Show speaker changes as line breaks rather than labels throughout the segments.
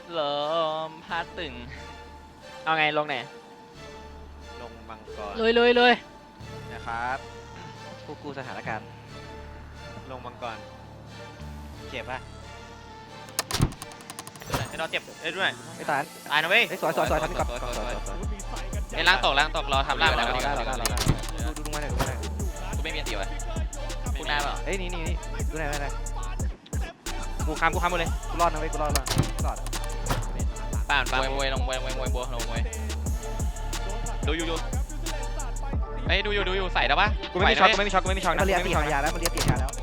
ลมพัดตึง
เอาไงลงไหน
ลงมังกร
เลย
นะครับผู้กู้สถานการณ์ลงมังกรเจ็บป่ะให้เราเจ็บได้ด้วย
ไอ้ตาย
ตายนะเว้ย
ไอ้สวยทำนี่ก่อน
ไอ้ล่างตกรอทำล่าง
ได้
แล้ว
ดูมาหน่อยดูมาหน่อย
กูไม่มีอันตีวะพูดได้เปล่า
เอ้ยนี่ดูหน่อย
กูค้ำหมดเลย
กูรอดนะเว้ยกูรอด
ป่านมวยลงมวยบัวลงมวยดูอยู่ไอ้ดูอยู่ใส่แล้วปะ
กูไม่มีช็อตนะ
มันเรียกตีหายาแล้วมันเรียกตีหายาแล้ว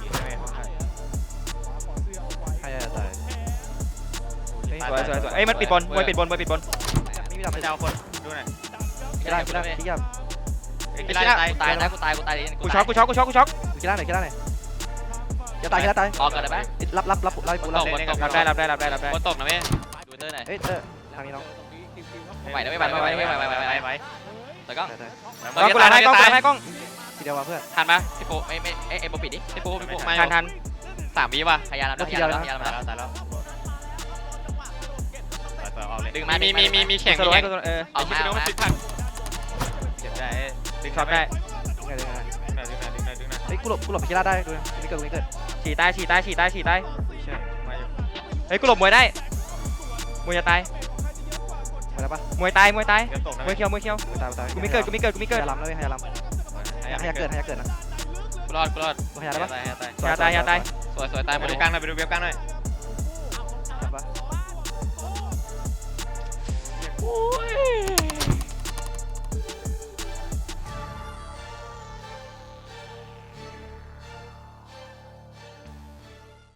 หายาตาย
สวยเอ้ยมันปิดบอลมวยปิดบอล
ไม่มีดับ
เจ้าคนดูหน่อย
กีฬาที่ยับ
กูตายนะกูตาย
กูช็อต
กีฬาไหนจะตาย
ออกกันได้ปะ
รับกูรับ
รับได้
บนตกนะเว้ยดูเตอร์หน่อย
เอ้ยทางนี้น้อง
ไหวนะไม่ไหวแต่ก็
กูหลังให้กล้อง
ทีเดียวว่ะเพื่อน
ทันปะพี่โปไม่ไอ้โปปิดดิพี่โปมา
ทัน
3 วิว่ะพยายามแล้ว
ตายแล้ว
ดึงมามีแข่ง
สโลว์
ออกมา
เจ็บได้
ดึงช็อตได้
ดึงหน่อย
เฮ้ยกูหลบกีฬาได้ดูไม่เกิด
ฉี่ใต้
ใช่มาอยู่
เฮ้ยกูหลบมวยได้มวยจะตาย
มาแล้วปะ
มวยตาย
เดี๋ยวตกนะ
มวยเคียว
ตาย
กูไม่เกิด
หายาล้ำเลยหายาล้ำหายาเกิดนะ
กูรอด
หายาได้ปะ
ยาตาย
สวยตายหม
ไป
ด
ดู
เลย
กลางหน่อยไปดูเว็บกลางหน่อย
ปะ